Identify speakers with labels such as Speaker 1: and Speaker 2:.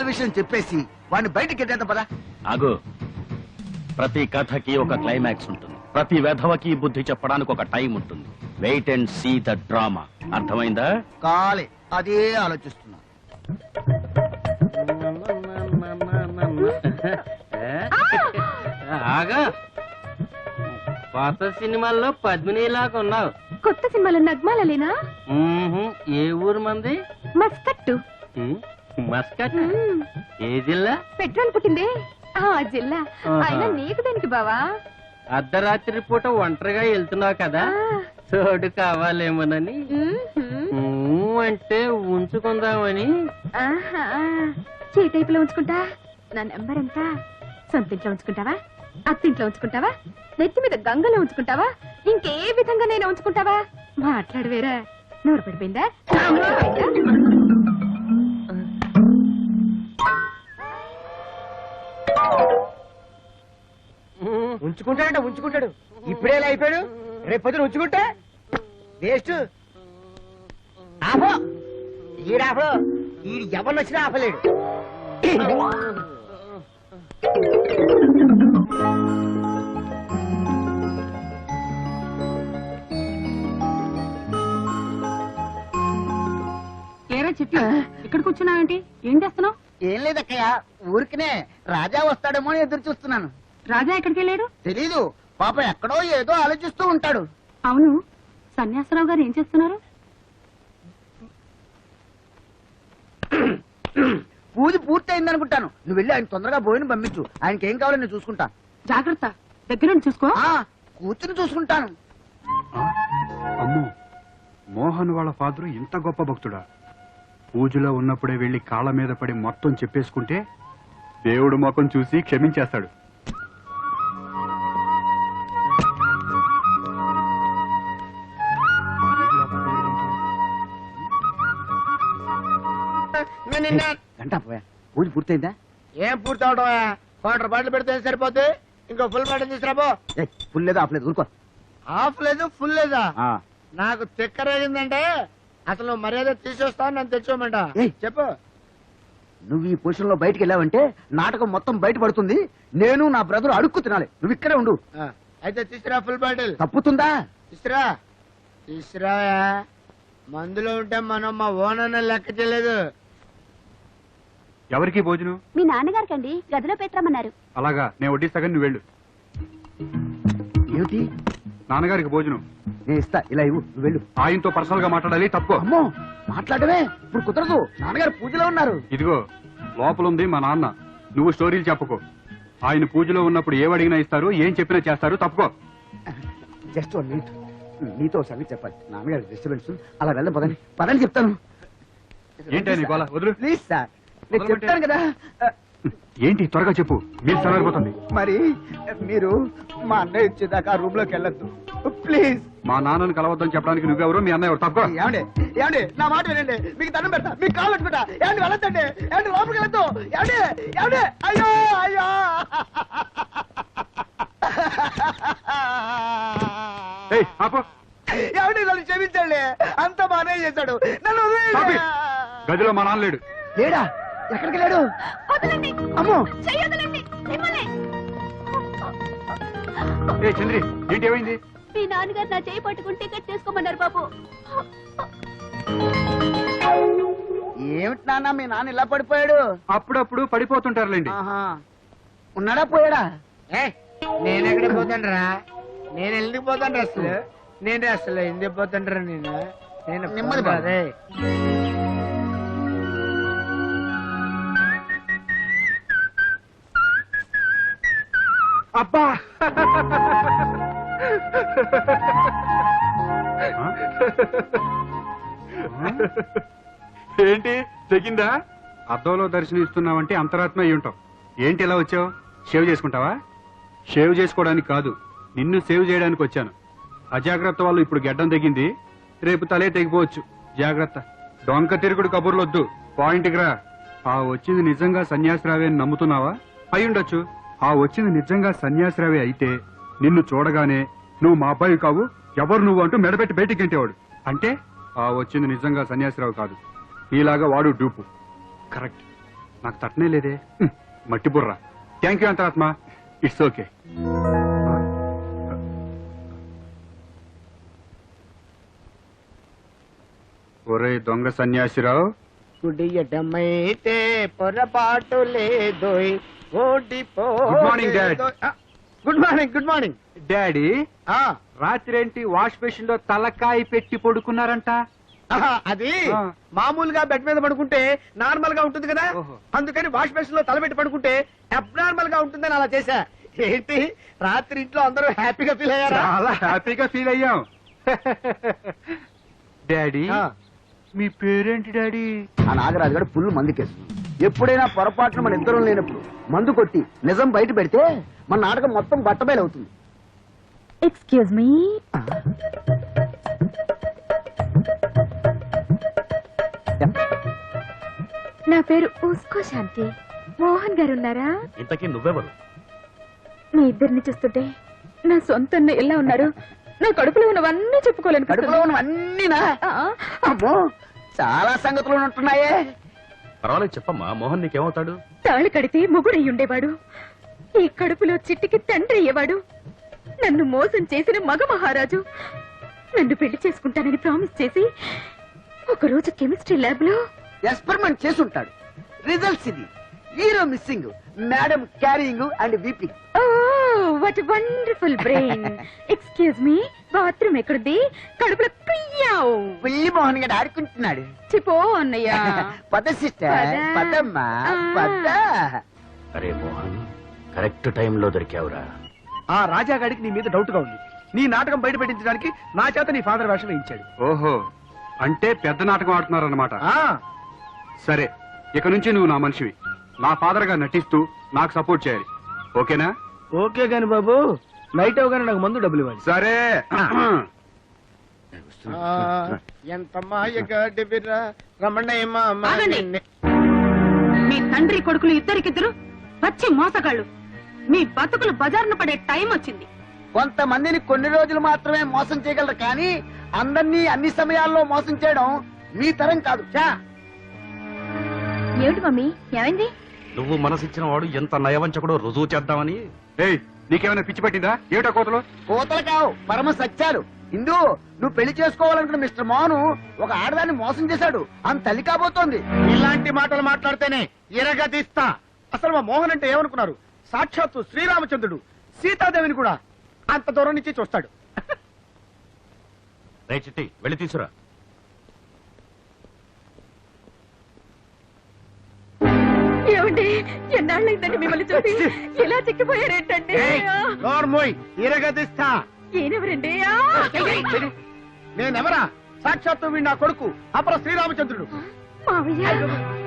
Speaker 1: విషయం చెప్పేసి వాడిని బయటికి ఎట్టేద్దాం పదా.
Speaker 2: ఆగు. ప్రతి కథకి ఒక క్లైమాక్స్ ఉంటుంది, ప్రతి వెధవకి బుద్ధి చెప్పడానికి ఒక టైం ఉంటుంది. Wait and see the drama. అర్థమైందా?
Speaker 1: కాలే అదే ఆలోచిస్తున్నా.
Speaker 3: ఆగా, కొత్త సినిమాల్లో పద్మినిలాగా ఉన్నావు.
Speaker 4: కొత్త సినిమాలో నగ్మాలలేనా?
Speaker 3: ఏ ఊరు మంది?
Speaker 4: మస్కట్టు.
Speaker 3: మస్కట్? ఏ జిల్లా?
Speaker 4: పెట్రోల్ పుట్టిందే ఆ జిల్లా. అయినా నీకు దేనికి బావా?
Speaker 3: అర్ధరాత్రి పూట ఒంటరిగా వెళ్తున్నావు కదా, చోటు కావాలేమోనని. అంటే ఉంచుకుందామని.
Speaker 4: చీటైపులో ఉంచుకుంటా. నా నెంబర్ ఎంత? సొంతింట్లో ఉంచుకుంటావా, అత్తింట్లో ఉంచుకుంటావా, నెత్తి మీద గంగలో ఉంచుకుంటావా, ఇంకే విధంగా నేను ఉంచుకుంటావా? మాట్లాడవేరా. నోరు పడిపోయిందా?
Speaker 5: ఉంచుకుంటాడంట, ఉంచుకుంటాడు. ఇప్పుడే ఇలా అయిపోయాడు, రేపు పొద్దున ఉంచుకుంటా వేస్ట్. ఆపో ఈడాపో, ఈ ఎవరిని వచ్చినా ఆపలేడు.
Speaker 4: ఏరా చిట్టి, ఇక్కడ కూర్చున్నావేంటి? ఏం చేస్తున్నావు?
Speaker 1: ఏం లేదక్కయ్య, ఊరికినే రాజా వస్తాడేమో అని ఎదురు చూస్తున్నాను.
Speaker 4: రాజా ఎక్కడికి వెళ్ళాడు?
Speaker 1: తెలీదు, పాప ఎక్కడో ఏదో ఆలోచిస్తూ ఉంటాడు.
Speaker 4: అవును, సన్యాసరావు గారు ఏం చేస్తున్నారు?
Speaker 1: పూజ పూర్తయింది అనుకుంటాను. నువ్వు వెళ్ళి ఆయన తొందరగా భోజనం పంపించు. ఆయనకి ఏం కావాలో నేను చూసుకుంటా.
Speaker 4: జాగ్రత్త, దగ్గరుండి చూసుకో.
Speaker 1: కూర్చుని చూసుకుంటాను.
Speaker 6: అమ్మో, మోహన్ వాళ్ళ ఫాదరు ఇంత గొప్ప భక్తుడా? పూజలో ఉన్నప్పుడే వెళ్లి కాళ్ళ మీద పడి మొత్తం చెప్పేసుకుంటే దేవుడు ముఖం చూసి క్షమించేస్తాడు.
Speaker 1: గంట పోయా, పూజ పూర్తయిందా?
Speaker 5: ఏం పూర్తి అవడమా? క్వార్టర్ బాటిల్ పెడితే సరిపోతే ఇంకో ఫుల్ బాటిల్ తీసుకురాబో.
Speaker 1: ఫుల్ లేదు, ఆఫ్ లేదు, ఊరుకో.
Speaker 5: హాఫ్ లేదు, ఫుల్ లేదా? నాకు తిక్కరేగిందంటే అసలు మర్యాద తీసేస్తాను, నన్ను తెచ్చుకోమంట. చెప్పు.
Speaker 1: నువ్వు ఈ పొజిషన్ లో బయటికి వెళ్ళావంటే నాటకం మొత్తం బయట పడుతుంది. నేను నా బ్రదర్ అడుక్కు తినాలి. నువ్వు ఇక్కడే ఉండు.
Speaker 5: అయితే తీసురా ఫుల్ బాటిల్.
Speaker 1: తప్పుతుందా?
Speaker 5: తీసురా, తీసురా. మందులో ఉంటే మనం మా ఓనర్ లెక్క చేయలేదు.
Speaker 6: ఎవరికి భోజనం?
Speaker 4: మీ నాన్నగారికండి, గదిలో పెట్టరమన్నారు.
Speaker 6: అలాగా, నేను వడ్డిస్తాగా, నువ్వు వెళ్ళు.
Speaker 1: ఏమిటి?
Speaker 6: నాన్నగారికి భోజనం
Speaker 1: నేను ఇస్తా, ఇలా ఇవ్వు, నువ్వు వెళ్ళు.
Speaker 6: ఆయనతో పర్సనల్ గా మాట్లాడాలి. తప్పు.
Speaker 1: అమ్మో, మాట్లాడమే ఇప్పుడు కుదరదు. నాన్నగారు పూజలో ఉన్నారు.
Speaker 6: ఇదిగో లోపల ఉంది మా నాన్న. నువ్వు స్టోరీలు చెప్పుకో. ఆయన పూజలో ఉన్నప్పుడు ఏమడిగినా ఇస్తారు, ఏం చెప్పినా చేస్తారు. తప్పుకో.
Speaker 1: జస్ట్ 1 మినిట్, నీతో సంగతి చెప్పాలి. నాన్నగారు డిస్టర్బెన్స్. అలా వెళ్ళం, పదండి పదండి చెప్తాను.
Speaker 6: ఏంటి గోళ? వదులు.
Speaker 1: ప్లీజ్ సార్, నేను చెప్తాను కదా.
Speaker 6: ఏంటి త్వరగా చెప్పు, మీరు సరిపోతుంది.
Speaker 1: మరి మీరు మా అన్నయ్య వచ్చేదాకా రూమ్ లోకి వెళ్ళొద్దు ప్లీజ్.
Speaker 6: మా నాన్నని కలవద్దని చెప్పడానికి నువ్వెవరు, మీ అన్నయ్య ఎవరు? తక్కువ.
Speaker 1: ఏమండి, ఏమండి, నా మాట వినండి. మీకు దండం పెడతా, మీకు కాలు పెట్టుకుంటా. ఏమండి, వెళ్ళొద్దండి. ఏమండి, లోపలికి వెళ్ళొద్దు. ఏమండి, ఏమండి, అయ్యో అయ్యో. ఏమండి, నన్ను క్షమించండి. అంత బానే చేశాడు. నన్ను
Speaker 6: గదిలో మా నాన్న లేడు.
Speaker 1: లేడా? ఎక్కడికి లేడు? అమ్మో,
Speaker 6: ఏ చంద్రి, ఏంటి ఏమైంది?
Speaker 4: మీ నాన్నగారు నా చేయి పట్టుకుని టికెట్ తీసుకోమన్నారు బాబు.
Speaker 1: ఏమిటి నాన్న, మీ నాన్న ఇలా పడిపోయాడు?
Speaker 6: అప్పుడప్పుడు పడిపోతుంటారులేండి.
Speaker 1: ఉన్నాడా, పోయాడా?
Speaker 5: నేనెక్కడ పోతాండ్రా? నేను ఎందుకు పోతాండ్రా అసలు? నేను అసలు ఎందుకు పోతాండ్రా? నేను
Speaker 1: నెమ్మది
Speaker 5: కాదే.
Speaker 6: అబ్బా, ఏంటి తెగిందా? అద్దంలో దర్శనం ఇస్తున్నావంటే అంతరాత్మ అయి ఉంటావు. ఏంటి ఇలా వచ్చావు? షేవ్ చేసుకుంటావా? షేవ్ చేసుకోవడానికి కాదు, నిన్ను సేవ్ చేయడానికి వచ్చాను. అజాగ్రత్త వాళ్ళు ఇప్పుడు గెడ్డం తెగింది, రేపు తలే తెగిపోవచ్చు. జాగ్రత్త. డొంక తిరుగుడు కబుర్లొద్దు, పాయింట్కి రా. ఆ వచ్చింది నిజంగా సన్యాసిరావే అని నమ్ముతున్నావా? అయ్యుండొచ్చు. ఆ వచ్చింది నిజంగా సన్యాసిరావే అయితే నిన్ను చూడగానే నువ్వు మా అబ్బాయి కావు, ఎవరు నువ్వు అంటూ మెడబెట్టి బయటికి గంటేవాడు. అంటే ఆ వచ్చింది నిజంగా సన్యాసిరావు కాదు, నీలాగా వాడు డూపు. కరెక్ట్. నాకు తట్టనే లేదే మట్టి బుర్ర. థ్యాంక్ యూ అంతరాత్మ, ఇట్స్ ఓకే. ఒరే దొంగ సన్యాసిరావు,
Speaker 5: గుడి ఎడమైతే పొరపాటు లేదోయ్, ఓడిపో.
Speaker 6: Good morning, Dad.
Speaker 5: Good morning, good morning.
Speaker 6: Daddy రాత్రేంటి వాష్ బేసిన్ లో తలకాయ పెట్టి పడుకున్నారంట?
Speaker 5: అది
Speaker 6: ఆ.
Speaker 5: మామూలుగా బెడ్ మీద పడుకుంటే నార్మల్ గా ఉంటుంది కదా,
Speaker 6: ఓహో.
Speaker 5: అందుకని వాష్ బేసిన్ లో తలబెట్టి పడుకుంటే అబ్నార్మల్ గా ఉంటుందని అలా చేశా. ఏంటి రాత్రి ఇంట్లో అందరూ హ్యాపీగా ఫీల్ అయ్యారా?
Speaker 6: చాలా హ్యాపీగా ఫీల్ అయ్యాం. డాడీ
Speaker 5: ఆ.
Speaker 6: మీ పేరేంటి డాడీ?
Speaker 1: ఆ నాగరాజు గారు ఫుల్ మందు కేసు. ఎప్పుడైనా పొరపాటున మన ఇద్దరం లేనప్పుడు మందు కొట్టి నిజం బయట పెడితే మన నాటకం మొత్తం బట్టబయలు అవుతుంది.
Speaker 4: Excuse me. నా పేరు ఊస్కో శాంతి. మోహన్ గారు ఉన్నారా?
Speaker 2: ఇంతకీ నువ్వెవరు?
Speaker 4: మీ ఇద్దరిని చూస్తుంటే నా సొంత ఎలా ఉన్నారు? నా కడుపులో ఉన్నవన్నీ చెప్పుకోలేను.
Speaker 1: కడుపులో ఉన్నవన్నీనా? అమ్మో, చాలా సంగతులు ఉంటున్నాయే.
Speaker 2: పర్వాలేదు చెప్పమ్మా, మోహన్ నీకేమవుతాడు?
Speaker 4: తాళి కడితే మొగుడయ్యి ఉండేవాడు, ఈ కడుపులో చిట్టికి తండ్రి అయ్యేవాడు, నన్ను మోసం చేసిన మగ మహారాజు. నన్ను పెళ్లి చేసుకుంటానని ప్రామిస్ చేసి ఒకరోజు కెమిస్ట్రీ ల్యాబ్ లో
Speaker 1: ఎక్స్పెరిమెంట్ చేసి ఉంటాడు. రిజల్ట్స్ ఇది. Hero missing, madam carrying and weeping.
Speaker 4: What wonderful brain. Excuse me, bathroom ఎక్కడుంది? కడుపులో కుయ్యావు.
Speaker 1: పుల్లి మోహన్ గారు ఆడుకుంటున్నాడు.
Speaker 4: చిపో అన్నయ్య.
Speaker 1: పద సిస్టర్,
Speaker 4: పద.
Speaker 1: పదమ్మా పద.
Speaker 2: అరే మోహన్, కరెక్ట్ టైంలో దొరికావురా.
Speaker 5: ఆ రాజాగాడికి నీ మీద డౌట్ గా ఉంది. నీ నాటకం బయట పెట్టించడానికి నా చేత నీ ఫాదర్ వేషం వేయించాడు.
Speaker 6: ఓహో, అంటే పెద్ద నాటకం ఆడుతున్నారన్నమాట. సరే, ఇక నుంచి నువ్వు నా మనిషివి. నా ఫాదర్ గా నటిస్తూ నాకు సపోర్ట్ చేయాలి, ఓకేనా?
Speaker 5: ఓకే గాని బాబు, నైట్ అవగానే నాకు మందు డబ్బులు ఇవ్వాలి.
Speaker 6: సరే.
Speaker 5: ఎంత మాయగాడివిరా రమణయ్య.
Speaker 4: ఆగండి. మీ తండ్రి కొడుకులు ఇద్దరికిద్దరు వచ్చి మోసగాళ్ళు. మీ బతుకులు బజార్ను పడే టైం వచ్చింది.
Speaker 1: కొంతమందిని కొన్ని రోజులు మాత్రమే మోసం చేయగలరు, కానీ అందరినీ అన్ని సమయాల్లో మోసం చేయడం మీ తరం కాదు.
Speaker 4: ఏమిటి మమ్మీ, ఏమైంది?
Speaker 2: నువ్వు మనసిచ్చిన వాడు ఎంత నయవంచకుడో రుజువు చేద్దామని.
Speaker 6: ఏయ్, నీకేమైనా పిచ్చి పట్టిందా? ఏమిటా కోతలు?
Speaker 1: కోతలు కావు, పరమ సత్యాలు. ఇందు, నువ్వు పెళ్లి చేసుకోవాలనుకున్న మిస్టర్ మోహన్ ఒక ఆడదాన్ని మోసం చేశాడు. ఆమె తల్లి కాబోతోంది.
Speaker 5: ఇలాంటి మాటలు మాట్లాడితేనే ఇరగదీస్తా. అసలు మా మోహన్ అంటే ఏమనుకున్నారు? సాక్షాత్తు శ్రీరామచంద్రుడు సీతాదేవిని కూడా అంత దూరం నుంచి చూస్తాడు.
Speaker 2: రే చిట్టి, వెళ్ళి తీసురా.
Speaker 4: ఏమండి, ఎన్నాళ్ళైందండి మిమ్మల్ని చూసి? ఎలా చిక్కిపోయారేంటండి?
Speaker 5: నోర్మోయ్, ఇరగదీస్తా.
Speaker 4: ఈయనెవరండి?
Speaker 5: నేనెవరా? సాక్షాత్తు వీడు నా కొడుకు అపర శ్రీరామచంద్రుడు.
Speaker 4: మావయ్య,